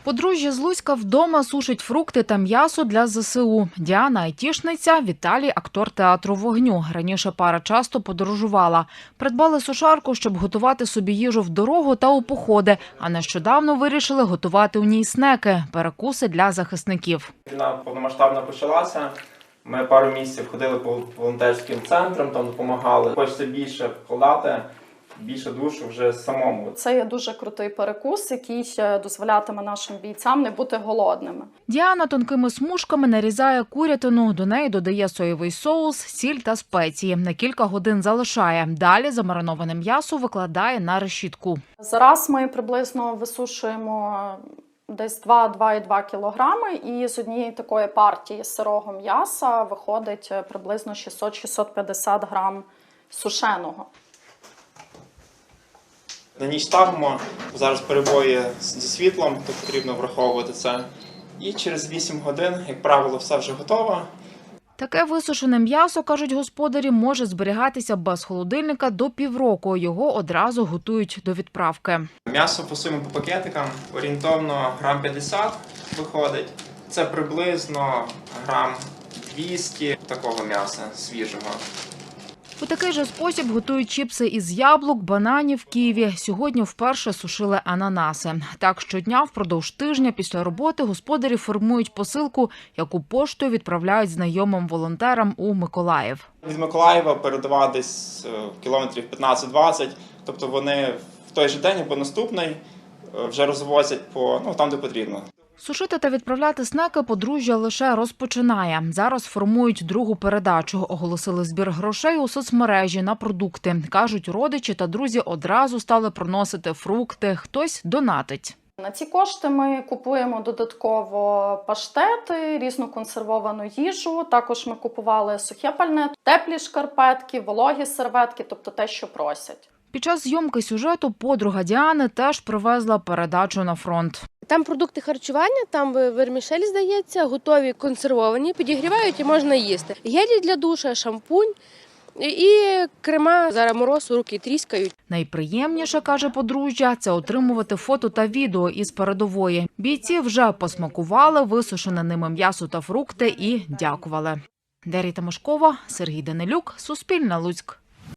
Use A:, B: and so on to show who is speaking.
A: Подружжя з Луцька вдома сушить фрукти та м'ясо для ЗСУ. Діана – айтішниця, Віталій – актор театру вогню. Раніше пара часто подорожувала. Придбали сушарку, щоб готувати собі їжу в дорогу та у походи. А нещодавно вирішили готувати у ній снеки – перекуси для захисників.
B: Війна повномасштабно почалася. Ми пару місяців ходили по волонтерським центрам, там допомагали. Хочеться більше вкладати, більше душу вже самому.
C: Це є дуже крутий перекус, який дозволятиме нашим бійцям не бути голодними.
A: Діана тонкими смужками нарізає курятину, до неї додає соєвий соус, сіль та спеції. На кілька годин залишає. Далі замариноване м'ясо викладає на решітку.
C: Зараз ми приблизно висушуємо десь 2,2 кілограми, і з однієї такої партії сирого м'яса виходить приблизно 600-650 грам сушеного.
B: На ніч ставимо, зараз перебої зі світлом, то потрібно враховувати це. І через 8 годин, як правило, все вже готово.
A: Таке висушене м'ясо, кажуть господарі, може зберігатися без холодильника до півроку. Його одразу готують до відправки.
B: М'ясо фасуємо по пакетикам, орієнтовно грам 50 виходить. Це приблизно грам 200 такого м'яса свіжого.
A: У такий же спосіб готують чіпси із яблук, бананів, ківі. Сьогодні вперше сушили ананаси. Так щодня впродовж тижня після роботи господарі формують посилку, яку поштою відправляють знайомим волонтерам у Миколаїв.
B: Від Миколаєва передавати десь кілометрів 15-20, тобто вони в той же день або наступний вже розвозять там, де потрібно.
A: Сушити та відправляти снеки подружжя лише розпочинає. Зараз формують другу передачу. Оголосили збір грошей у соцмережі на продукти. Кажуть, родичі та друзі одразу стали приносити фрукти. Хтось донатить.
C: На ці кошти ми купуємо додатково паштети, різну консервовану їжу. Також ми купували сухе пальне, теплі шкарпетки, вологі серветки, тобто те, що просять.
A: Під час зйомки сюжету подруга Діани теж привезла передачу на фронт.
D: Там продукти харчування, там вермішель, здається, готові консервовані, підігрівають і можна їсти. Гелі для душа, шампунь і крема. Зараз мороз, руки тріскають.
A: Найприємніше, каже подружжя, це отримувати фото та відео із передової. Бійці вже посмакували висушене ними м'ясо та фрукти і дякували. Дар'я Тимошкова, Сергій Данилюк, Суспільне, Луцьк.